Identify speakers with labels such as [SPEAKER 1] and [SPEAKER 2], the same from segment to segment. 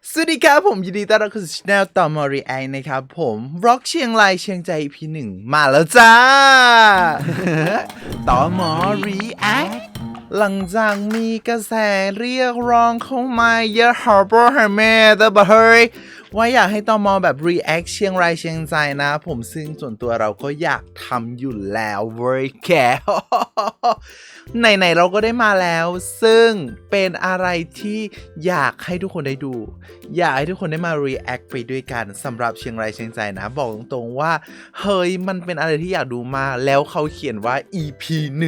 [SPEAKER 1] สวัสดีครับผมยินดีต้อนรับเข้าสู่ช่องต่อมอรีแอคนะครับผมร็อกเชียงรายเชียงใจ EP 1มาแล้วจ้า ต่อมอรีแอคหลังจากมีกระแสเรียกร้องเข้ามาเยอะฮาร์เบอร์ฮาร์เมดแต่เฮ้ยว่าอยากให้ตอมอแบบรีแอคเชียงรายเชียงใจนะผมซึ่งส่วนตัวเราก็อยากทำอยู่แล้วเว้ยแก ไหนๆเราก็ได้มาแล้วซึ่งเป็นอะไรที่อยากให้ทุกคนได้ดูอยากให้ทุกคนได้มา react ไปด้วยกันสำหรับเชียงรายเชียงใจนะบอกตรงๆว่าเฮ้ยมันเป็นอะไรที่อยากดูมากแล้วเขาเขียนว่า EP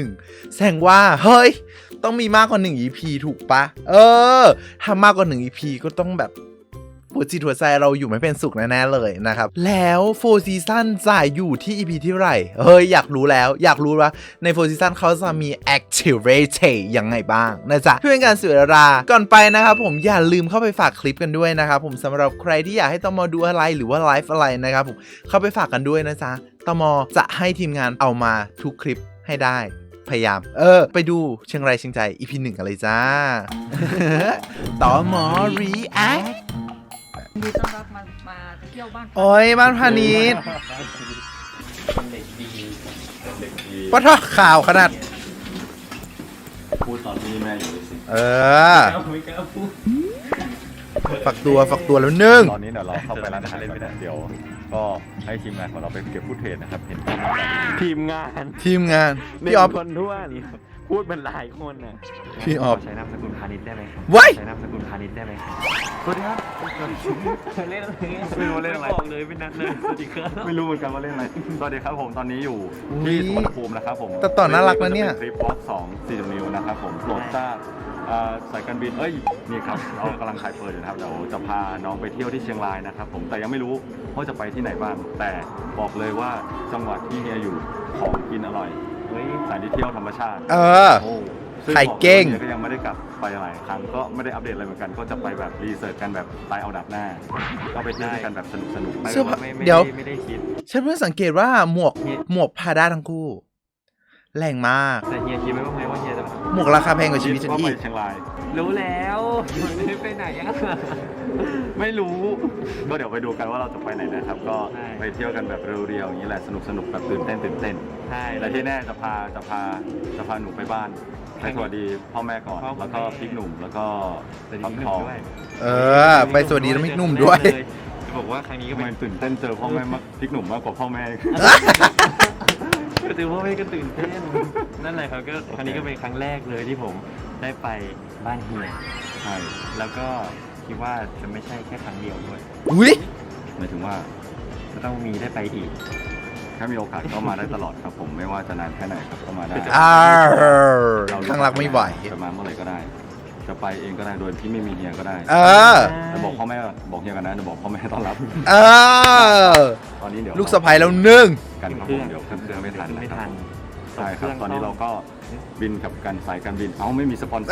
[SPEAKER 1] 1แสดงว่าเฮ้ยต้องมีมากกว่า1 EP ถูกปะถ้ามากกว่า1 EP ก็ต้องแบบหัวจิตหัวใจเราอยู่ไม่เป็นสุขแน่ๆเลยนะครับแล้ว4ซีซั่นจะอยู่ที่ EP ที่เท่าไหร่เฮ้ยอยากรู้แล้วอยากรู้ว่าใน4ซีซั่นเขาจะมี activate ยังไงบ้างนะจ๊ะเพื่อเป็นการเสียเวลาก่อนไปนะครับผมอย่าลืมเข้าไปฝากคลิปกันด้วยนะครับผมสำหรับใครที่อยากให้ตมดูอะไรหรือว่าไลฟ์อะไรนะครับผมเข้าไปฝากกันด้วยนะจ๊ะตมจะให้ทีมงานเอามาทุกคลิปให้ได้พยายามไปดูเชียงรายเชียงใจ EP 1กันเลยจ้า ตม react
[SPEAKER 2] ยินดีต้อนรับมาเที่ยวบ้าน
[SPEAKER 1] โอ้ยบ้านพาณิชย์
[SPEAKER 3] เป็นเด็กดีเป็นเด็กดี
[SPEAKER 1] ปะทอข่าวขนาด
[SPEAKER 3] พูดตอนที่แม่อยู่เลยสิ
[SPEAKER 2] ไม่กล้าพูด
[SPEAKER 1] ฝักตัวแล้วนึ่ง
[SPEAKER 4] ตอนนี้เดี๋ยวเราเข้าไปร้านอาหารก่อนนะเดี๋ยวก็ให้ทีมงานของเราไปเก็บฟุตเทจนะครับเห็น
[SPEAKER 5] ทีมงาน
[SPEAKER 1] ทีมงานพี่ออฟ
[SPEAKER 5] คนท้วนพูดเป็นหลายคนน่ะ
[SPEAKER 1] พี่ออฟ
[SPEAKER 5] ใช้นามสกุลพาณิชย์ได้ไหมครับ
[SPEAKER 1] ไว้
[SPEAKER 5] ใช้นามสกุลพาณิชย์ได้ไหมครับสวัสดีครับเล่นอะไรไม่รู้เล่นอะไรบอกเลยเป็นนัดเลยสวัสดีครับ
[SPEAKER 4] ไม่รู้เหมือนกันว่าเล่นอะไรสวัสดีครับผมตอนนี้อยู่ที่สุวรรณภูมินะครับผม
[SPEAKER 1] แต่ต่อน่ารักนะเนี่ย
[SPEAKER 4] คลิปวอล์ก2 4 นิ้วนะครับผมโปรดทราบสายการบินนี่ครับเรากำลังขายเปิดอยู่นะครับเดี๋ยวจะพาน้องไปเที่ยวที่เชียงรายนะครับผมแต่ยังไม่รู้ว่าจะไปที่ไหนบ้างแต่บอกเลยว่าจังหวัดที่เฮียอยู่ของกินอร่อยสถานที่เที่ยวธรรมชาติ ซึ่ง
[SPEAKER 1] ไข่เก้ง
[SPEAKER 4] บอกเลยก็ยังไม่ได้กลับไปหลายครั้งก็ไม่ได้อัปเดตอะไรเหมือนกันก็จะไปแบบรีเสิร์ชกันแบบตายเอาดับหน้า ก็ไปเที่ยวด้วยกันแบบสนุก
[SPEAKER 1] เสื้อผ้า
[SPEAKER 5] ไม่
[SPEAKER 1] เดี๋ยว
[SPEAKER 5] ไม่ได้คิด
[SPEAKER 1] ฉันเพิ่งสังเกตว่าหมวกพาด้าทั้งคู่แรงมาก
[SPEAKER 5] แต่เฮียคิดไหมว่าเฮียจะ
[SPEAKER 1] หมวกราคาแพงกว่าชีวิตฉัน
[SPEAKER 4] ว่า
[SPEAKER 1] อี
[SPEAKER 4] ไป
[SPEAKER 1] ก
[SPEAKER 4] เชียงราย
[SPEAKER 5] รู้แล้วไม่ได้ไปไหนอ่ะ
[SPEAKER 4] ไม่รู้ ก็เดี๋ยวไปดูกันว่าเราจะไปไหนนะครับ ก็
[SPEAKER 5] ใช่
[SPEAKER 4] ไปเที่ยวกันแบบเรียวๆอย่างนี้แหละสนุกแบบตื่นเต้น
[SPEAKER 5] ใช่
[SPEAKER 4] แต่ที่แน่จะพาหนูไปบ้านให้สวัสดีพ่อแม่ก่อน
[SPEAKER 5] พ่อแม่
[SPEAKER 4] แล้วก็พริกหนุ่มแล้วก็
[SPEAKER 5] แต่ดี
[SPEAKER 4] ฟัก
[SPEAKER 5] ห
[SPEAKER 4] ท
[SPEAKER 5] นุ่
[SPEAKER 4] อ
[SPEAKER 5] ม
[SPEAKER 4] ง
[SPEAKER 5] ด้วย
[SPEAKER 1] ไปสวัสดีน้องมิกหนุ่มด้วย
[SPEAKER 5] จะบอกว่าครั้งนี้ก็
[SPEAKER 4] ทำไม
[SPEAKER 5] เป็น
[SPEAKER 4] ตื่นเต้นเจอพ่อแม่มากพริกหนุ่มมากกว่าพ่อแม่
[SPEAKER 5] ก็ถือว่าไม่ก็ตื่นเต้นนั่นแหละครับก็ครั้งนี้ก็เป็นครั้งแรกเลยที่ผมได้ไปบ้านเฮีย
[SPEAKER 4] ใช่
[SPEAKER 5] แล้วก็คิดว่าจะไม่ใช่แค่ครั้งเดียวด้วย
[SPEAKER 1] อุ้ย
[SPEAKER 4] หมายถึงว่า
[SPEAKER 5] จะต้องมีได้ไปอีก
[SPEAKER 4] ถ้ามีโอกาสก็มาได้ตลอดครับผมไม่ว่าจะนานแค่ไหนครับก็มาได้
[SPEAKER 1] ข้างรักไม่ไหว
[SPEAKER 4] จะมาเมื่อไหร่ก็ได้ จะไปเองก็ได้โดยที่ไม่มีเฮียก็ได้ จะบอกพ่อแม่บอกเฮียกันนะจะบอกพ่อแม่ต้อนรับ ตอนนี้เดี๋ยว
[SPEAKER 1] ลูกสะใภ้แล้วนึ่ง
[SPEAKER 4] กันครับผมเดี๋ยวเครื่องไม่ทัน
[SPEAKER 5] ไม่
[SPEAKER 4] นะค
[SPEAKER 5] ทั
[SPEAKER 4] รับ
[SPEAKER 5] น
[SPEAKER 4] ใช่ครับตอนนี้เราก็บินกับกันสายการบินเอ้าไม่มีสปอนเซอร์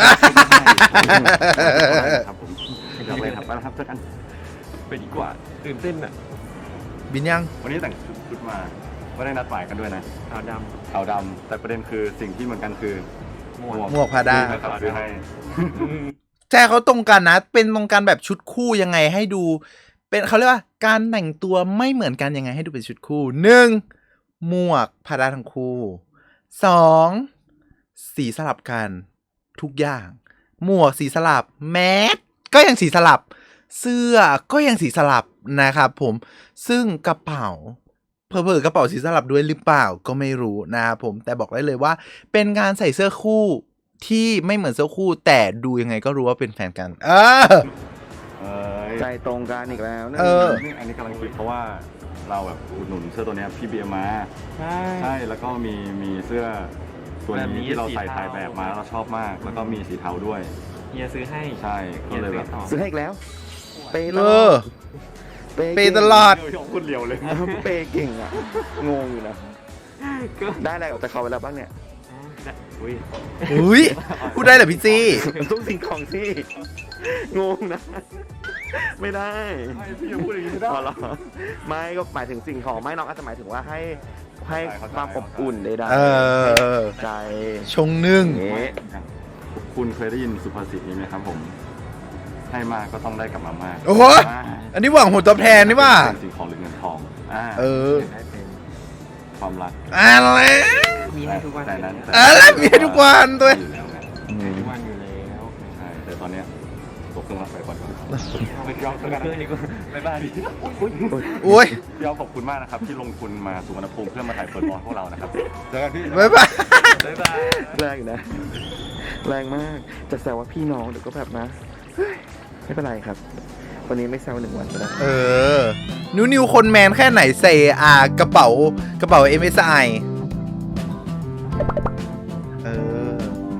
[SPEAKER 4] ครับผมอยากเลยครับไปแล้วครับเจอกัน
[SPEAKER 5] ไปดีกว่าตื่นเต้นอ่ะ
[SPEAKER 1] บินยัง
[SPEAKER 4] วันนี้แต่งชุดมาไม่ได้นัดหมายกันด้วยนะ
[SPEAKER 5] ขาวด
[SPEAKER 4] ขาวดำแต่ประเด็นคือสิ่งที่เหมือนกันคือ
[SPEAKER 5] ำม่วง
[SPEAKER 1] หมวกพาด้า
[SPEAKER 4] นะครับซื้อให้
[SPEAKER 1] ใช่เขาตรงกันนะ เป็นตรงกันแบบชุดคู่ยังไงให้ดู เป็นเขาเรียกว่าการแต่งตัวไม่เหมือนกันยังไงให้ดูเป็นชุดคู่1หมวกพาด้าทั้งคู่2สีสลับกันทุกอย่าง หมวกสีสลับแมสก็ยังสีสลับ เสื้อก็ยังสีสลับนะครับผมซึ่งกระเป๋าเผลอๆกระเป๋าสีสลับด้วยหรือเปล่าก็ไม่รู้นะครับผมแต่บอกได้เลยว่า เป็นการใส่เสื้อคู่ที่ไม่เหมือนเสื้อคู่ แต่ดูยังไงก็รู้ว่าเป็นแฟนกัน
[SPEAKER 5] ใจตรงกันอีกแล้วนะ
[SPEAKER 4] นี่อันนี้กำลังคิดเพราะว่าเราแบบอุดหนุนเสื้อตัวเนี้ยพี่เบียร์มา ใช่แล้วก็มีเสื้อตัว
[SPEAKER 5] แบบนี้
[SPEAKER 4] นี้ที่เราใส่
[SPEAKER 5] สีเทา
[SPEAKER 4] ถ่ายแบบมาแล้วเราชอบมาก แล้วก็มีสีเทาด้วย
[SPEAKER 5] เฮียซื้อให้
[SPEAKER 4] ใช่ก็เลยแบบ
[SPEAKER 5] ซื้อให้อีกแล้ว
[SPEAKER 6] เปย์ต
[SPEAKER 1] เอ
[SPEAKER 6] ลอ
[SPEAKER 1] อ
[SPEAKER 6] ด
[SPEAKER 1] เปย์ตลอด
[SPEAKER 4] พูดเรียวเลย
[SPEAKER 6] เปย์เก่งอ่ะ งงอยู่นะ
[SPEAKER 5] ก็
[SPEAKER 6] ได้อะไรออกจากเขาไปแล้วบ้างเนี่ย
[SPEAKER 5] อุ้ย
[SPEAKER 1] อุ้ยพูดได้เหรอพี่จี้
[SPEAKER 6] ทุกสิ่งของที่ งงนะ ไม่ได้
[SPEAKER 4] พี่ยังพูดอย่างนี้ไม่ได้
[SPEAKER 6] พอหรอไม่ก็หมายถึงสิ่งของไม่น้องอาจจะหมายถึงว่าให้ความอบอุ่นใด
[SPEAKER 1] เออ
[SPEAKER 6] ๆใจ
[SPEAKER 1] ชงนึ่ง
[SPEAKER 6] อย่างงี้
[SPEAKER 4] คุณเคยได้ยินสุภาษิตนี้ไหมครับผม ใให้มากก็ต้องได้กลับมามาก
[SPEAKER 1] โอ้โห อันนี้หวังผลตอบแทนนี่ว่า
[SPEAKER 4] เป็นสิ่งของหรือเงินทอง
[SPEAKER 1] เออ
[SPEAKER 5] ได้เป็น
[SPEAKER 4] ความรัก
[SPEAKER 1] อะไร
[SPEAKER 5] มีให้ทุกวัน
[SPEAKER 4] แต่นั้น
[SPEAKER 1] อะไรมีให้ทุกวันด้วย
[SPEAKER 4] อยู่แล้วไง
[SPEAKER 5] ทุกวันอยู่แล้ว
[SPEAKER 4] ใช่แต่ตอนเนี้ยตกเครื่องรับไปก่อน
[SPEAKER 5] ไม่ยอมตัวนี้ก็ไม่บ้าดิ
[SPEAKER 1] โอ้ย
[SPEAKER 4] พี่อ๊อฟขอบคุณมากนะครับที่ลงทุนมาสุวรรณภูมิเพื่อมาถ่ายเปิดบอลพวกเรานะครับเจอกันพี่
[SPEAKER 1] บ๊ายบาย
[SPEAKER 5] บ๊ายบาย
[SPEAKER 6] แรงนะ แรงมาก จะแซวว่าพี่น้องเดี๋ยวก็แบบนะเฮ้ยไม่เป็นไรครับ วันนี้ไม่แซว1 วันก็ได้
[SPEAKER 1] เออ นิวคนแมนแค่ไหนใส่กระเป๋า MSI เออ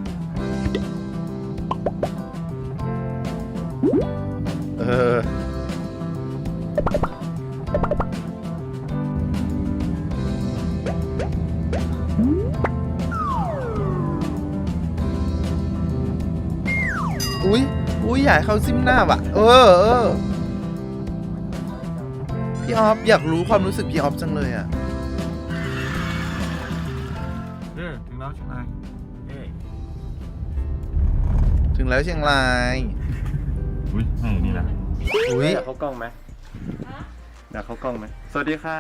[SPEAKER 1] เออ อุ้ยอยากให้เขาซิมหน้าว่ะ เออ พี่ออฟอยากรู้ความรู้สึกพี่ออฟจังเลยอ่ะ
[SPEAKER 5] ถึงแล้วใช่ไหม
[SPEAKER 1] ถึงแล้วเชียงราย
[SPEAKER 4] อุ้ยนี่แหละ
[SPEAKER 1] อุ้ย
[SPEAKER 4] อยากเข้ากล้องไหมอยากเข้ากล้องไหมสวัสดีครับ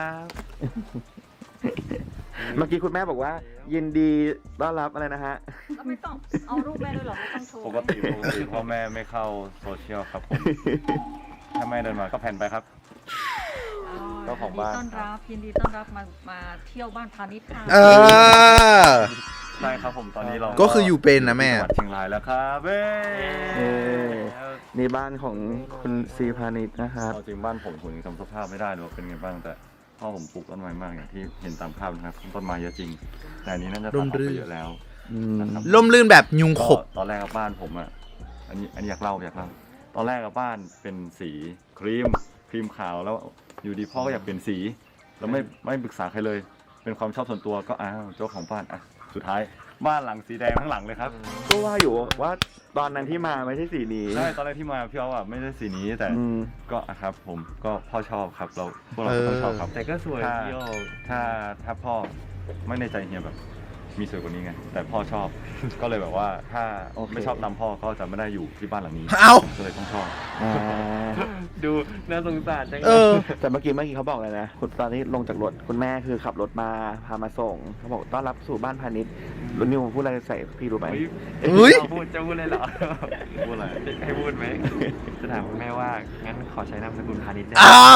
[SPEAKER 6] เมื่อกี้คุณแม่บอกว่า ยินดีต้อนรับอะไรนะฮะ
[SPEAKER 2] แล้วไม่ต้องเอารูปแม่ด้วยเหรอไม่ต้องโชว์
[SPEAKER 4] ปกติพ่อแม่ไม่เข้าโซเชียลครับผม ถ้าแม่เดินมาก็แผ่นไปครับ เจ้าของบ้าน
[SPEAKER 2] ยินดีต้อนรับมาเที่ยวบ้านพาณิชย์ค่ะ
[SPEAKER 1] เออ
[SPEAKER 4] ใช่ครับผมตอนนี้เรา
[SPEAKER 1] ก็คืออยู่เป็นนะแม่
[SPEAKER 4] จังหวัดเชียงรายแล้วครับเว้ย
[SPEAKER 6] นี่บ้านของคุณซีพานิชนะครับ
[SPEAKER 4] เอาจริงบ้านผมยังจำสภาพไม่ได้เลยว่าเป็นไงบ้างแต่พ่อผมปลูกต้นไม้มากอย่างที่เห็นตามภาพนะครับต้นไม้เยอะจริง แต่อันนี้น่าจะตัดออกไปเยอะแล้วนะครับ
[SPEAKER 1] ล่มลื่นแบบยุงขบ
[SPEAKER 4] ตอนแรกกับบ้านผมอ่ะอันนี้อยากเล่าตอนแรกกับบ้านเป็นสีครีมขาวแล้วอยู่ดีพ่อก็อยากเปลี่ยนสีแล้วไม่ปรึกษาใครเลย เป็นความชอบส่วนตัวก็อ้าวเจ้าของบ้านอ่ะสุดท้ายบ้านหลังสีแดงทั้งหลังเลยครับ
[SPEAKER 6] ก็ว่าอยู่ว่าตอนนั้นที่มาไม่ใช่สีนี้
[SPEAKER 4] ใช่ตอนแรกที่มาพี่อ๊อฟอ่ะไม่ได้สีนี้แต่ ก็อะครับผมก็พ่อชอบครับพวกเราก็ต้องชอบครับ
[SPEAKER 5] แต่ก็สวย
[SPEAKER 4] ถ้า
[SPEAKER 5] พี่โอ
[SPEAKER 4] ถ้าพ่อไม่ในใจเฮียแบบมีสวยกว่านี้ไงแต่พ่อชอบ ก็เลยแบบว่าถ้าไม่ชอบตามพ่อก็จะไม่ได้อยู่ที่บ้านหลังนี้
[SPEAKER 1] เอ้า
[SPEAKER 4] ก็เลยต้องชอบ
[SPEAKER 5] ดูน่าสงสารจัง
[SPEAKER 1] เออ
[SPEAKER 6] แต่เมื่อกี้เขาบอกเลยนะคุณตอนนี้ลงจากรถคุณแม่คือขับรถมาพามาส่งเขาบอกต้อนรับสู่บ้านพาณิชย์รุ่นนิวพูดอะไรใส่พี่รู้ไหม
[SPEAKER 1] อุ๊ย
[SPEAKER 5] จะพูดเลยเหรอ
[SPEAKER 4] พูดอะไร
[SPEAKER 5] ให้พูดไหมจะถามคุณแม่ว่างั้นขอใช้นามสกุลพาณิชย์ได้
[SPEAKER 1] อ้าว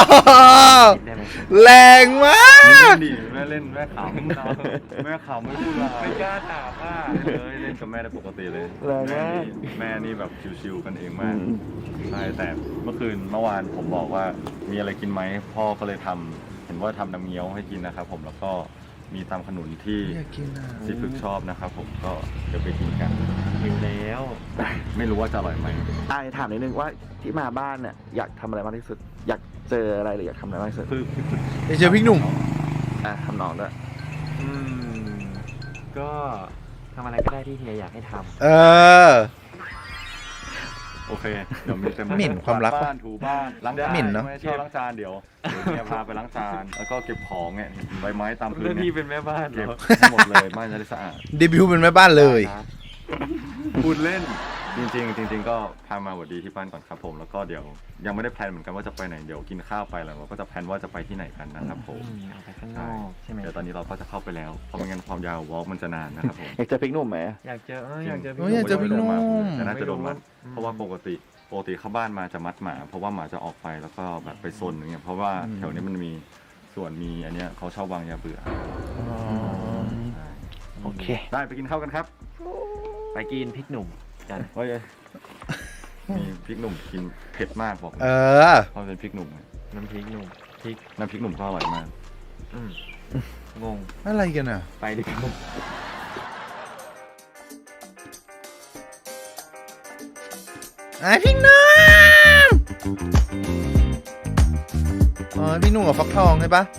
[SPEAKER 5] ได้ไหม
[SPEAKER 1] แรงมาก
[SPEAKER 4] ดีแม่เล่นแม่ขำแม่ขำไม่พูดอะไร
[SPEAKER 5] ไม่กล้าถามว่า
[SPEAKER 4] เลยเล่นกับแม่ได้ปกติเลย
[SPEAKER 6] แรงมาก
[SPEAKER 4] แม่นี่แบบชิวๆกันเองมากใช่แต่เมื่อวานผมบอกว่ามีอะไรกินไหมพ่อก็เลยทำเห็นว่าทำน้ำเงี้ยวให้กินนะครับผมแล้วก็มีตำขนุนที่
[SPEAKER 1] อยากกินอ่ะ
[SPEAKER 4] สีพึกชอบนะครับผมก็เดี๋ยวไปกินกัน
[SPEAKER 5] อยู่แล้ว
[SPEAKER 4] ไม่รู้ว่าจะอร่อยไหม
[SPEAKER 6] ถามนิดนึงว่าที่มาบ้านเนี่ยอยากทำอะไรมากที่สุด อยากเจออะไรหรืออยากทำอะไรมากที่สุด
[SPEAKER 4] คือ
[SPEAKER 1] เดี๋ยวเจอพี่หนุ่ม
[SPEAKER 6] ทำน้องด้วย
[SPEAKER 5] ก็ทำอะไรก็ได้ที่เฮียอยากให้ทำ
[SPEAKER 1] เออ
[SPEAKER 4] โอเคเดี๋ยวมีเต็ม
[SPEAKER 1] หมิ่นความรักปะ
[SPEAKER 4] บ้านถูบ้านล้างจาน
[SPEAKER 1] หมิ่นเนอะ
[SPEAKER 4] ไม่ชอบล้างจานเดี๋ยวเนี่ยพาไปล้างจานแล้วก็เก็บของเนี่ยเห็นใบไม้ตามพื้น
[SPEAKER 5] เรื่อง
[SPEAKER 4] เนี่
[SPEAKER 5] ที่
[SPEAKER 4] ย
[SPEAKER 5] เป็นแม่บ้านเหร
[SPEAKER 4] เก็บ
[SPEAKER 5] อ
[SPEAKER 4] ให้หมดเลยบ้านจะได้สะอาด
[SPEAKER 1] เดบิวต์เป็นแม่บ้านเลย
[SPEAKER 4] พูดเล่นจริงๆก็พามาหวัดดีที่บ้านก่อนครับผมแล้วก็เดี๋ยวยังไม่ได้แพลนเหมือนกันว่าจะไปไหนเดี๋ยวกินข้าวไปแล้วเราก็จะแพลนว่าจะไปที่ไหนกันนะครับผม
[SPEAKER 5] ออกไปข้างนอกใช่ไหม
[SPEAKER 4] เดี๋ยวตอนนี้เราก็จะเข้าไปแล้วเพราะไม่งั้นความยาววอล์กมันจะนานนะครับผม
[SPEAKER 6] อยากเจอพริกหนุ่มไหม
[SPEAKER 5] อยากเจอ
[SPEAKER 1] อยากเจอพี่นุ่ม
[SPEAKER 4] แต่น่าจะโดนมัดเพราะว่าปกติเข้าบ้านมาจะมัดหมา เพราะว่าหมาจะออกไปแล้วก็แบบไปซนอย่างเงี้ยเพราะว่าแถวนี้มันมีส่วนมีอันเนี้ยเขาชอบวางยาเบื่อ
[SPEAKER 6] โอเค
[SPEAKER 4] ได้ไปกินข้าวกันครับ
[SPEAKER 5] ไปกินพริกหนุ่มกัน
[SPEAKER 4] เฮ้ยมีพริกหนุ่มกินเผ็ดมากบอกเลย
[SPEAKER 1] เออ
[SPEAKER 4] เพราะเป็นพริกหนุ่ม
[SPEAKER 5] น้ำพริกหนุ่มพริก
[SPEAKER 4] น้ำพริกหนุ่มก็อร่อยมาก
[SPEAKER 5] งง
[SPEAKER 1] อะไรกันอ่ะ
[SPEAKER 5] ไปดิครับ
[SPEAKER 1] ไอพี่นุ่มอ๋อพี่นุ่มกับฟักทองใช่ปะ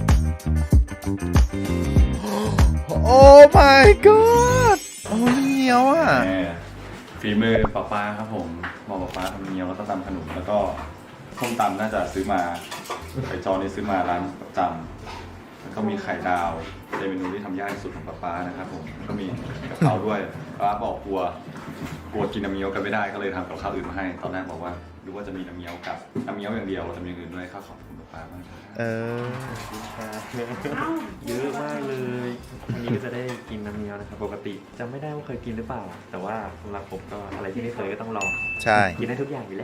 [SPEAKER 1] โอ้ my god โอ้ยเหนียวอ่ะ
[SPEAKER 4] ฝีมือป้าครับผมบอกป้าทำเงี้ยวแล้วก็ตำขนมแล้วก็ส้มตำน่าจะซื้อมาไข่จอนี่ซื้อมาร้านประจำแล้วก็มีไข่ดาวเป็นเมนูที่ทำยากที่สุดของป๊านะครับผมก็มีกะเพราด้วยป๊าบอกกลัวกินน้ำเงี้ยวกันไม่ได้ก็เลยทำกับข้าวอื่นมาให้ตอนแรกบอกว่าดูว่าจะมีน้ำเงี้ยวกับน้ำเงี้ยวอย่างเดียวจะมีอย่างอื่นด้วยข้าวขอบคุณป๊ามาก
[SPEAKER 1] เออ
[SPEAKER 5] เยอะมากเลยวันนี้ก็จะได้กินน้ำเงี้ยวนะครับปกติจำไม่ได้ว่าเคยกินหรือเปล่า แต่ว่าสำหรับผมก็อะไรที่ไม่เคยก็ต้องลอง
[SPEAKER 1] ใช่
[SPEAKER 5] กินได้ทุกอย่างอยู่เลย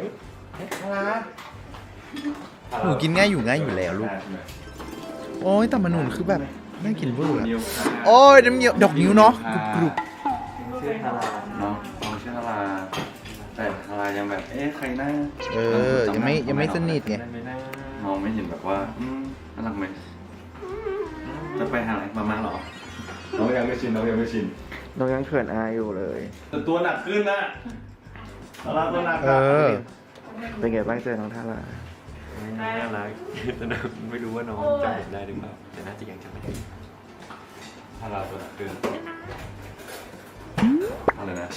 [SPEAKER 1] หนูกินง่ายอยู่แล้วลูก โอ้ยแต่มันหนุนคือแบบน่ากินเวอร์อะโอ้ยน้ำเงี้ยวดอกนิ้วเนาะกรุบ
[SPEAKER 5] ชื่อฮารา
[SPEAKER 4] เนาะน้องชื่อฮาราแต่ฮารายังแบบใครหน้า
[SPEAKER 1] ๆเออ ยังไม่สนิทไง
[SPEAKER 5] ได้ไหมนะ
[SPEAKER 4] มองไม่เห็นแบบว่าน่ารักไหมจะไปหาอะไรมาเหรอน้องยังไม่ชิน
[SPEAKER 6] น้องยังเขินอายอยู่เลย
[SPEAKER 4] แต่ตัวหนักขึ้นนะฮาราตัวหนัก
[SPEAKER 1] เออ
[SPEAKER 6] เป็นไงบ้างเจอน้องทารา
[SPEAKER 5] น่ารักแต่ไม่รู้ว่าน้องจำผมได้หรือเปล่าแต่น่าจะยังจำไม่ได้
[SPEAKER 4] ฮาราตัวหนักขึ้นอะไรนะ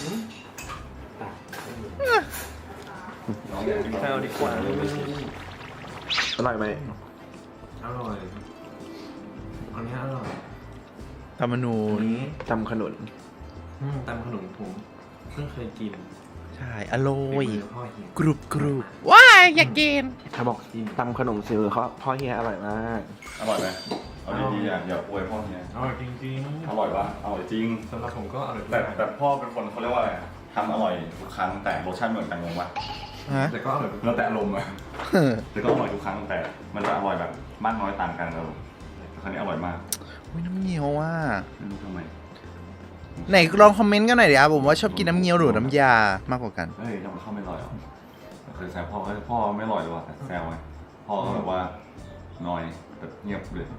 [SPEAKER 4] น้องอยากกิน
[SPEAKER 5] ข้าวดีกว่า
[SPEAKER 6] อร่อยไหม
[SPEAKER 5] อร่อยอันนี้อร่อย
[SPEAKER 1] ธรรมนูญ
[SPEAKER 6] ตำขนุน
[SPEAKER 5] ตำขนมผมเพิ่งเคยกิน
[SPEAKER 1] ใช่อร่อย
[SPEAKER 5] ฝีมืพ่อเฮีย
[SPEAKER 1] กรุบว้ายอยากกิน
[SPEAKER 6] เขาบอกตำขนมซิวเขาพ่อเฮียอร่อยมาก
[SPEAKER 4] อร่อยไหมเอาดีๆอย่าอวยพ่อเนี่ย
[SPEAKER 5] อร่อยจริง
[SPEAKER 4] อร่อยปะอร่อยจริง
[SPEAKER 5] ๆสำหรับผมก็อร่อย
[SPEAKER 4] แต่พ่อเป็นคนเขาเรียกว่าอะไรทำอร่อยทุกครั้งแต่รสชาติไม่เหมือนกันงงปะ
[SPEAKER 1] ฮะ
[SPEAKER 5] แต่ก็อร่อย
[SPEAKER 4] แล้วแต่อารมณ์อะแต่ก็อร่อยทุกครั้งแต่มันจะอร่อยแบบมากน้อยต่างกันครับครั้งนี้อร่อยมาก
[SPEAKER 1] อุ้ยน้ำเงี้ยวอ่ะ
[SPEAKER 4] ไม่รู้ทำไม
[SPEAKER 1] ไหนลองคอมเมนต์กันหน่อยดิครับผมว่าชอบกินน้ำเงี้ยวหรือน้ำยามากกว่ากัน
[SPEAKER 4] เฮ้ยทำไมข้าวไม่อร่อยหรอเคยแซวพ่อพ่อไม่อร่อยหรอวะแต่แซวไงพ่อก็แบบว่าน้อยแบบเงียบเลย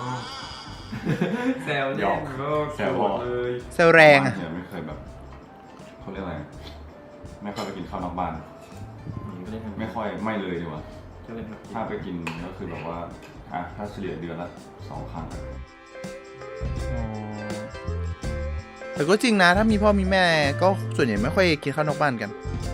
[SPEAKER 5] แซว
[SPEAKER 4] หยอกแซวพ่อ
[SPEAKER 5] เลย
[SPEAKER 1] เซลแรงอ่ะ
[SPEAKER 4] เนี่ยไม่เคยแบบเขาเรียกอะไรไม่ค่อยไปกินข้าวนอกบ้าน
[SPEAKER 5] ก็เลยทำ
[SPEAKER 4] ไม่ค่อยไม่เลยดีกว่า
[SPEAKER 5] ก็เลยทำ
[SPEAKER 4] ถ้าไปกินก็คือแบบว่าถ้าเฉลี่ยเดือนละ2 ครั้ง
[SPEAKER 1] แต่ก็จริงนะ ถ้ามีพ่อมีแม่ก็ส่วนใหญ่ไม่ค่อยกินข้าวนอกบ้านกัน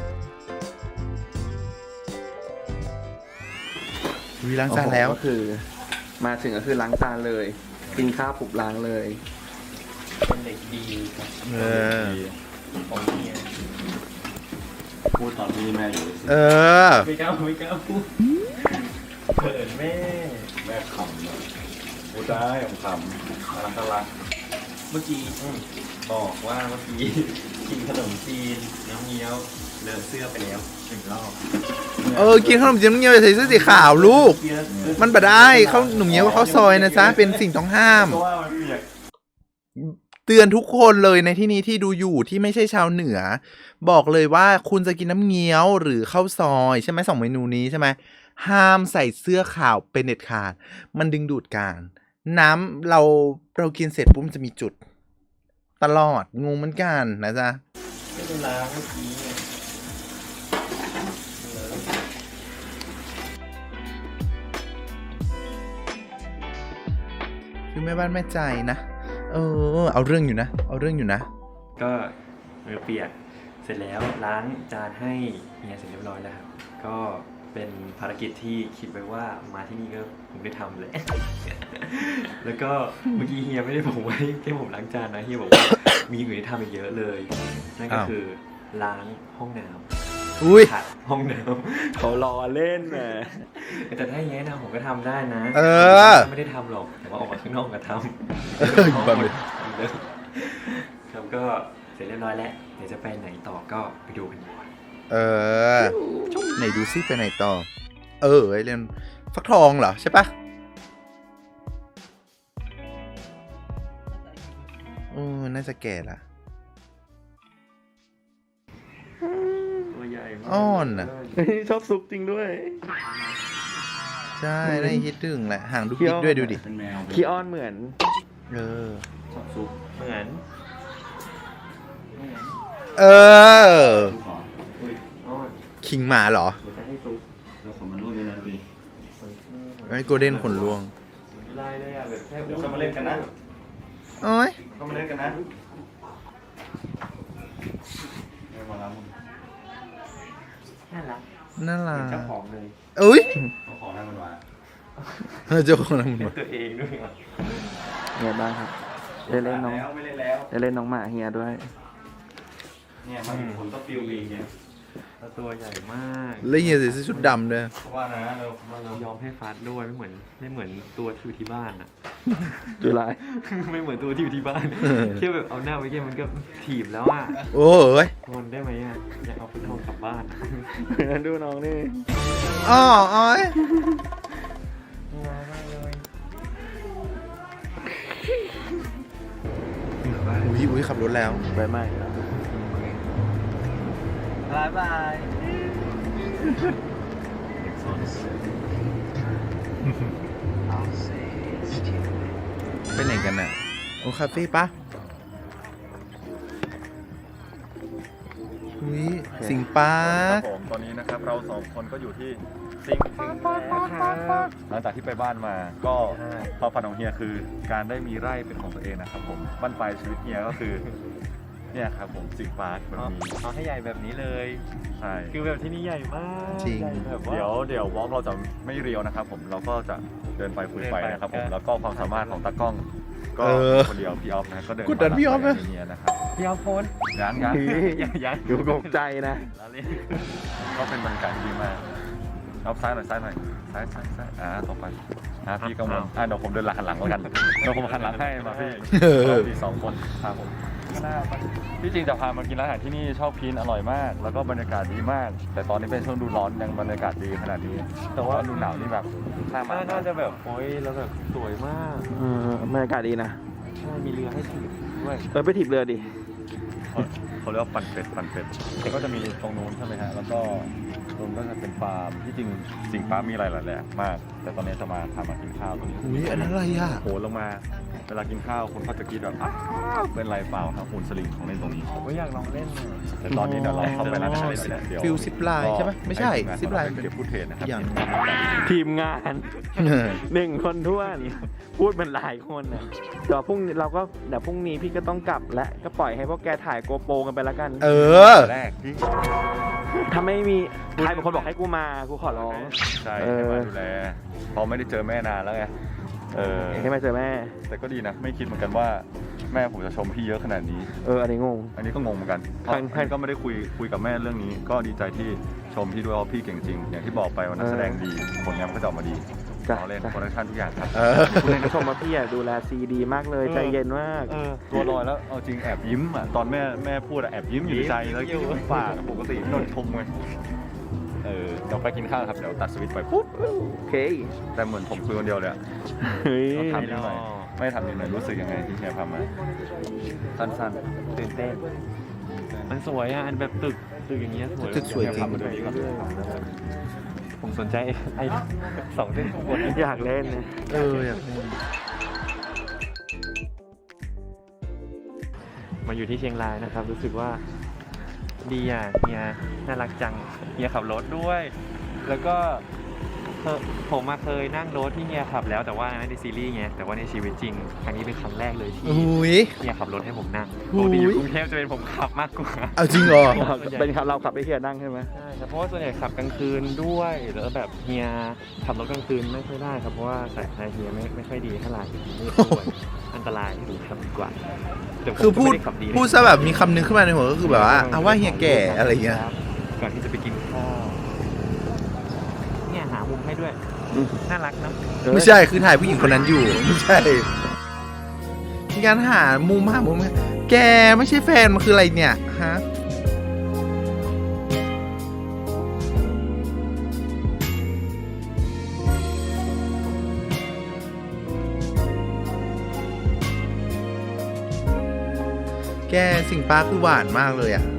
[SPEAKER 1] วีล้างจานแล้ว
[SPEAKER 6] ก็คือ มาถึงก็คือล้างจานเลย กินข้าวปุบล้างเลย
[SPEAKER 5] เป็นเด็กดีครับ
[SPEAKER 1] เออ
[SPEAKER 5] ของเฮีย
[SPEAKER 4] พูดตอนที่แม่อยู่เลยสิ
[SPEAKER 1] เออ
[SPEAKER 5] ไม่กล้าพูดเขินแม่
[SPEAKER 4] แม่ขำเลยพูดได้ผมขำน่ารัก
[SPEAKER 5] เมื่อกี้บอกว่าเมื่อกี้กินขนมจีนน้ำเงี้ยวเลอะเสื้อไปแล้ว1 รอบ
[SPEAKER 1] เออ กินขนมจีนน้ำเงี้ยวใส่เสื้อสีขาวลูก มันบ่ได้เขาหนุ่มเงี้ยวเขาซอยนะจ๊ะ เป็นสิ่งต้องห้าม
[SPEAKER 4] ก็ว่ามันเปียก
[SPEAKER 1] เตือนทุกคนเลยในที่นี้ที่ดูอยู่ที่ไม่ใช่ชาวเหนือ บอกเลยว่าคุณจะกินน้ำเงี้ยวหรือข้าวซอยใช่ไหม2 เมนูนี้ใช่ไหมห้ามใส่เสื้อขาวเป็นเด็ดขาดมันดึงดูดการน้ำเรากินเสร็จปุ๊บมันจะมีจุด ตลอดงงเหมือนกันนะจ๊ะ
[SPEAKER 5] ไม่เป็นล้างเมื่อกี้
[SPEAKER 1] คือแม่บ้านแม่ใจนะเอาเรื่องอยู่นะ
[SPEAKER 5] ก็มือเปียกเสร็จแล้วล้างจานให้เฮียเสร็จเรียบร้อยแล้วครับก็เป็นภารกิจที่คิดไว้ว่ามาที่นี่ก็ผมได้ทำเลย แล้วก็เมื่อกี้เฮียไม่ได้บอกไว้แค่ผมล้างจานนะเฮียบอกว่ามีอย่างอื่นที่ทำอีกเยอะเลยนั่นก็
[SPEAKER 1] อ้าว
[SPEAKER 5] คือล้างห้องน้
[SPEAKER 1] อุ้ย
[SPEAKER 5] ำขัดห้องน้ำ
[SPEAKER 6] เขารอเล่นนะ
[SPEAKER 5] แต่ถ้าอย่างนี้นะผมก็ทำได้นะ
[SPEAKER 1] เออ
[SPEAKER 5] ไม่ได้ทำหรอกแต่ว่าออกมาข้างนอกก็ทำ
[SPEAKER 1] อยู่บ้านเลย
[SPEAKER 5] ครับก็เสร็จเรียบร้อยแล้วเดี๋ยวจะไปไหนต่อก็ไปดูกันดีกว่า
[SPEAKER 1] ไหนดูซิไปไหนต่อ ไอเรื่องฟักทองเหรอใช่ปะน่าจะแก่ละ
[SPEAKER 5] ตัวใหญ่มาก
[SPEAKER 1] อ้อนน่ะ
[SPEAKER 6] ชอบซุปจริงด้วย
[SPEAKER 1] ใช่ได้คิดถึงแหละห่างดุกดิกด้วยดูดิ
[SPEAKER 4] เป็นแมว
[SPEAKER 6] ขี้อ้อนเหมือน
[SPEAKER 4] ชอบซุป
[SPEAKER 5] เหมือน
[SPEAKER 4] ซุปหรออุ้ย
[SPEAKER 5] อ้อน
[SPEAKER 1] คิงหมาเหรอ
[SPEAKER 5] เดี๋ยวจะให้ซุป
[SPEAKER 4] แล้วขนมันร่วงเลยนะดูดิ
[SPEAKER 1] ไอ้โกลเด้นขนลวง
[SPEAKER 5] ไล่เลยอ่ะแบบแค่
[SPEAKER 4] เดี๋ยวเข้ามาเล่นกันนะ
[SPEAKER 1] โอ้ย
[SPEAKER 4] เข้ามาเล่นกันนะไม่มาแล้วมึง
[SPEAKER 5] น่ารัก
[SPEAKER 1] น่ารัก
[SPEAKER 5] เจ้าของเลย
[SPEAKER 1] อุ้ย
[SPEAKER 4] เอาของนั่นมันมา
[SPEAKER 1] เจ้าของน้ำ
[SPEAKER 5] เล่
[SPEAKER 1] มัน
[SPEAKER 5] นตัวเองด้วยอ่ะ
[SPEAKER 6] เฮียบ้างครับได้เล่นน้อง
[SPEAKER 5] ไม่เล่นแล้ว
[SPEAKER 6] ได้เล่นน้องหมาเฮียด้วย
[SPEAKER 5] เนี่ยมาถึงผมก็ฟิลเองเนี่ยแล้วตัวใหญ่มาก
[SPEAKER 1] แล้วเฮียใส่เสื้อชุดดำด้วย
[SPEAKER 3] ว่านะเรา
[SPEAKER 5] ยอมให้ฟาดด้วยไม่เหมือนตัวที่อยู่ที่บ้านอ่ะ
[SPEAKER 6] จุฬา
[SPEAKER 5] ไม่เหมือนตัวที่อยู่ที่บ้านแค่แบบเอาหน้าไปแค่มันก็ถีบแล้วอ่ะ
[SPEAKER 1] โอ้ย
[SPEAKER 5] ทนได้ไหมอ่ะอยากเอาฟุตบอลกลับบ้าน
[SPEAKER 6] ดูน้องนี่
[SPEAKER 1] อ๋ออ้อย
[SPEAKER 5] ร้ายมากเลย
[SPEAKER 1] อุ้ยขับรถแล้ว
[SPEAKER 6] ไปไหม
[SPEAKER 5] บายบาย
[SPEAKER 1] ไปไหนกันน่ะโอ้คาเฟ่ปะอุ้ยสิงปา
[SPEAKER 4] ค
[SPEAKER 1] ร์
[SPEAKER 4] รั
[SPEAKER 1] ค
[SPEAKER 4] บผมตอนนี้นะครับเราสองคนก็อยู่ที่สิงห์แล้วครับหลังจากที่ไปบ้านมาก็ความฝันของเฮียคือการได้มีไร่เป็นของตัวเองนะครับผมบั้นปลายชีวิตเฮียก็คือเนี่ยครับผมสิงห์ปาร์คแบบนี้
[SPEAKER 5] เอาให้ใหญ่แบบนี้เลย
[SPEAKER 4] ใช่
[SPEAKER 5] คือแบบที่นี่ใหญ่มาก
[SPEAKER 1] จริง
[SPEAKER 5] ใหญ่แบบว่า
[SPEAKER 4] เดี๋ยววอล์กเราจะไม่เรียวนะครับผมเราก็จะเดินไปคุยไปนะครับผมแล้วก็ความสามารถของตากล้อง ก็คนเดียวพี่ออฟนะก็เดิน
[SPEAKER 1] กดดันพี่ออฟนะ
[SPEAKER 4] เฮียนะครับ
[SPEAKER 5] พี่เอาโพส
[SPEAKER 4] ยัง
[SPEAKER 6] ดูตกใจนะ
[SPEAKER 5] แล้วเล่น
[SPEAKER 4] ก็เป็นบรรยากาศที่ดีมากเอาซ้ายหน่อยซ้ายต่อไปพี่กังวลเดี๋ยวผมเดินหันหลังแล้วกันเดี๋ยวผมหันหลังให้มาพี่เรามีสองคนพาผมที่จริงจะพามากินร้านอาหารที่นี่ชอบกินอร่อยมาก แล้วก็บรรยากาศดีมาก แต่ตอนนี้เป็นช่วงดูร้อนยังบรรยากาศดีขนาดนี้ แต่ว่าดูหนาวนี่แบบน่ามา
[SPEAKER 5] น่าจะแบบโอ้ยแล้วแบบสวยมาก
[SPEAKER 6] บรรยากาศดีนะ
[SPEAKER 5] ใช่มีเรือให้ถีบด้วย
[SPEAKER 6] ไปถีบเรือดิ
[SPEAKER 4] เขาเรียกว่าปั่นเป็ดก็จะมีตรงนู้นใช่ไหมฮะแล้วก็ตรงก็จะเป็นฟาร์มที่จริงสิงห์ฟ้ามีอะไรหลายแหล่มาก แต่ตอนนี้จะมาพามากินข้าวตรงนี้
[SPEAKER 1] อุ้ยอันนั้นอะไรอ่ะ
[SPEAKER 4] โหลงมาเวลากินข้าวคนเขาจะคิดแบบอ้าวเป็นไรเปล่าครับหุ่นสลิงของเล่นตรงนี้
[SPEAKER 5] ผมก็อยากลองเล่นหน่อย
[SPEAKER 4] แต่ตอนนี้เดี๋ยวเราเข้าไปร้านอาหารเลยนะเดี๋ยว
[SPEAKER 1] ฟิลซิปไลน์ใช่ไหมไม่ใช่ซิปไลน์
[SPEAKER 4] เก็บฟุตเทจนะครับ
[SPEAKER 1] อย่าง
[SPEAKER 6] ทีมงาน 1 คนท้วนพูดเป็นหลายคนนะเดี๋ยวพรุ่งนี้พี่ก็ต้องกลับและก็ปล่อยให้พวกแกถ่ายโกโปรกันไปแล้วกัน
[SPEAKER 1] เออ
[SPEAKER 4] แรก
[SPEAKER 6] ถ้าไม่มีใครเป็นคนบอกให้กูมากูขอร้อง
[SPEAKER 4] ใช่ให้มาดูแลเพราะไม่ได้เจอแม่นานแล้วไง
[SPEAKER 6] ให้มาเจอแม่
[SPEAKER 4] แต่ก็ดีนะไม่คิดเหมือนกันว่าแม่ผมจะชมพี่เยอะขนาดนี้
[SPEAKER 6] อันนี้งง
[SPEAKER 4] อันนี้ก็งงเหมือนกันเพราะท่านก็ไม่ได้คุยกับแม่เรื่องนี้ ก็ดีใจที่ชมพี่ด้วยว่าพี่เก่งจริง อย่างที่บอกไปว่านักแสดงดีผลงานก็จะออกมาดี
[SPEAKER 6] จ้ะ
[SPEAKER 4] เราเล่นโปรดักชั่นทุกอย่างครับ
[SPEAKER 6] คุณเองก็ชมว่าพี่อะดูแลซีดีมากเลยใจเย็นมาก
[SPEAKER 4] ตัวลอยแล้วเอาจริงแอบยิ้มอ่ะตอนแม่พูดอ่ะแอบยิ้มอยู่ในใจแล้วยิ้มปากปกติโดนชมไงเดี๋ยวไปกินข้าวครับเดี๋ยวตัดสวิตช์ไปปุ๊บ
[SPEAKER 6] โอเค
[SPEAKER 4] แต่เหมือนผมคุยคนเดียวเลยอะ
[SPEAKER 6] เฮ้ย
[SPEAKER 4] เราถามนิดหน่อยไม่ถามนิดหน่อยรู้สึกยังไงที่เฮียพามาสั้น
[SPEAKER 5] ตื่นเต้นมันสวยอ่ะอันแบบตึกอย่างเงี้ยสวย
[SPEAKER 1] ตึกสวยจริง
[SPEAKER 4] พามาดูนี่ก่อน
[SPEAKER 5] ผมสนใจไอ้2 เส้นข้างบน
[SPEAKER 6] อยากเล่นนะ
[SPEAKER 1] อยากเล่น
[SPEAKER 5] มาอยู่ที่เชียงรายนะครับ รู้สึกว่าดีอ่ะเฮียน่ารักจังเฮียขับรถด้วย แล้วก็ผมมาเคยนั่งรถที่เฮียขับแล้วแต่ว่าในซีรีส์ไงแต่ว่าในชีวิตจริงครั้งนี้เป็นครั้งแรกเลยที่
[SPEAKER 1] อุ้ย
[SPEAKER 5] เฮียขับรถให้ผมนั่ง
[SPEAKER 1] อุ๊
[SPEAKER 5] ป
[SPEAKER 1] ย
[SPEAKER 5] กติอยู่กรุงเทพจะเป็นผมขับมากกว่า
[SPEAKER 1] เอาจริงเหรอ
[SPEAKER 6] เป็นครับเราขับไปเฮียนั่งใช่ไหม
[SPEAKER 5] ใช่ครับเพราะว่าส่วนใหญ่ขับกลางคืนด้วยแล้วแบบเฮียขับรถกลางคืนไม่ค่อยได้ครับเพราะว่าสายตาเฮียไม่ค่อยดีเท่าไหร่มืดด้วยอันตรายที่ผมขับดีกว่าแต่ผม
[SPEAKER 1] คือพูด
[SPEAKER 5] ก็ไม่ไขับดีนะ
[SPEAKER 1] พูดซะแบบมีคำนึงขึ้นมาในหัวก็คือแบบว่าเอาว่าเฮียแก่อะไรเงี้ย
[SPEAKER 5] ก่อนที่จะไปกินข้าวเนี่ยหามุมให้ด้วย น่ารักเนอะ
[SPEAKER 1] ไม่ใช่คือถ่ายผู้หญิงคนนั้นอยู่ไม่ใช่มีการหามุมแกไม่ใช่แฟนมันคืออะไรเนี่ยฮะแกสิงปาร์คคือหวานมากเลยอ่ะ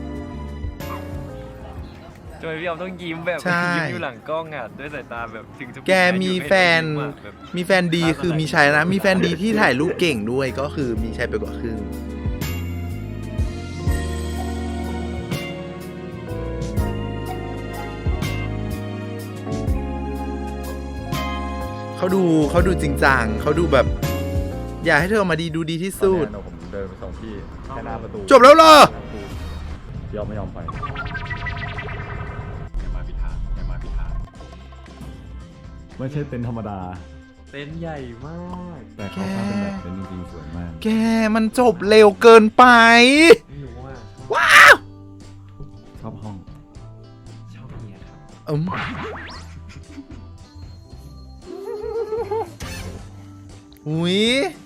[SPEAKER 5] ทำไมพี่ออมต้องยิ้มแบบ
[SPEAKER 1] ใช่
[SPEAKER 5] ยิ้มอยู่หลังกล้องอ่ะด้วยสายตาแบบถึงจะ
[SPEAKER 1] แกมีแฟนมีแฟนดีคือมีชัยนะ มีแฟนดีที่ถ่ายรูปเก่งด้วยก็คือมีชัยไปกว่าครึ่งเขาดูจริงจังเขาดูแบบ อยากให้เธอออกมาดีดูดีที่สุด
[SPEAKER 4] ตอนนี้ผมเดินไปส่งพี่แค่หน้าประตู
[SPEAKER 1] จบแล้วเหรอ
[SPEAKER 4] ยอมไม่ยอมไปอย่ามาพิธาไม่ใช่เต็นท์ธรรมดา
[SPEAKER 5] เต็นท์ใหญ่มาก
[SPEAKER 4] แต่เขาทำเป็นแบบเต็นท์จริงๆสวยมาก
[SPEAKER 1] แกมันจบเร็วเกินไป
[SPEAKER 5] หนูว่า
[SPEAKER 4] ชอบห้อง
[SPEAKER 5] ชอบเฮียครับ
[SPEAKER 1] อุ้ย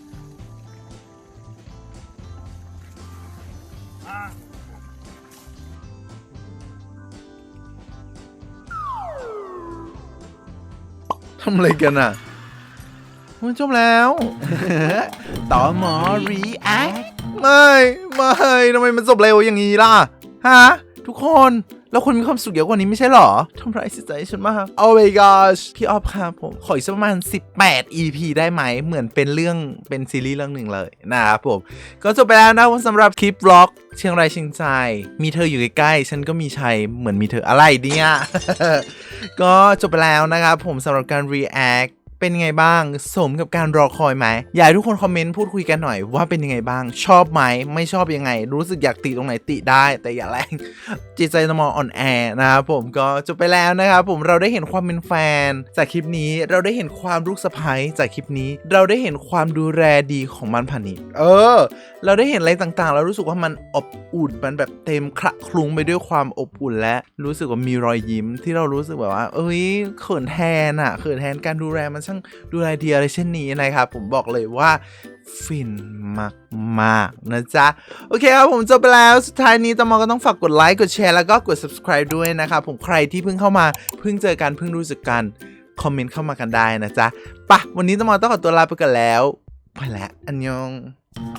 [SPEAKER 1] ทำอะไรกันอ่ะมันจบแล้ว ต่อหมอ react ไม่ทำไมมันจบเร็วอย่างนี้ล่ะ ฮะ ทุกคน แล้วคุณมีความสุขเยอะกว่านี้ไม่ใช่หรอทำร้ายจิตใจฉันมาก Oh my gosh พี่ออฟครับผม ขออีกสักประมาณ18 EP ได้ไหม เหมือนเป็นซีรีส์เรื่องหนึ่งเลยนะครับผม ก็จบไปแล้วนะสำหรับคลิปบล็อกเชียงรายเชียงใจ มีเธออยู่ใกล้ๆ ฉันก็มีชัยเหมือนมีเธออะไรเนี่ย ก็จบไปแล้วนะครับผมสำหรับการ react เป็นไงบ้างสมกับการรอคอยไหมอยากให้ทุกคนคอมเมนต์พูดคุยกันหน่อยว่าเป็นยังไงบ้างชอบไหมไม่ชอบยังไงรู้สึกอยากติตรงไหนติได้แต่อย่าแรง จิตใจสมองอ่อนแอนะครับผมก็จบไปแล้วนะครับผมเราได้เห็นความเป็นแฟนจากคลิปนี้เราได้เห็นความลูกสะใภ้จากคลิปนี้เราได้เห็นความดูแลดีของมันผ่านิชเราได้เห็นอะไรต่างๆเรารู้สึกว่ามันอบอุ่นมันแบบเต็มคละคลุ้งไปด้วยความอบอุ่นและรู้สึกว่ามีรอยยิ้มที่เรารู้สึกแบบว่าเอ้ยเขินแทนการดูแลมันช่างดูแลดีอะไรเช่นนี้นะครับผมบอกเลยว่าฟินมากๆนะจ๊ะโอเคครับผมจบไปแล้วสุดท้ายนี้ตมก็ต้องฝากกดไลค์กดแชร์แล้วก็กด subscribe ด้วยนะครับผมใครที่เพิ่งเข้ามาเพิ่งเจอกันเพิ่งรู้สึกกันคอมเมนต์เข้ามากันได้นะจ๊ะปะวันนี้ตมต้องขอตัวลาไปกันแล้วไปแล้วอันยอง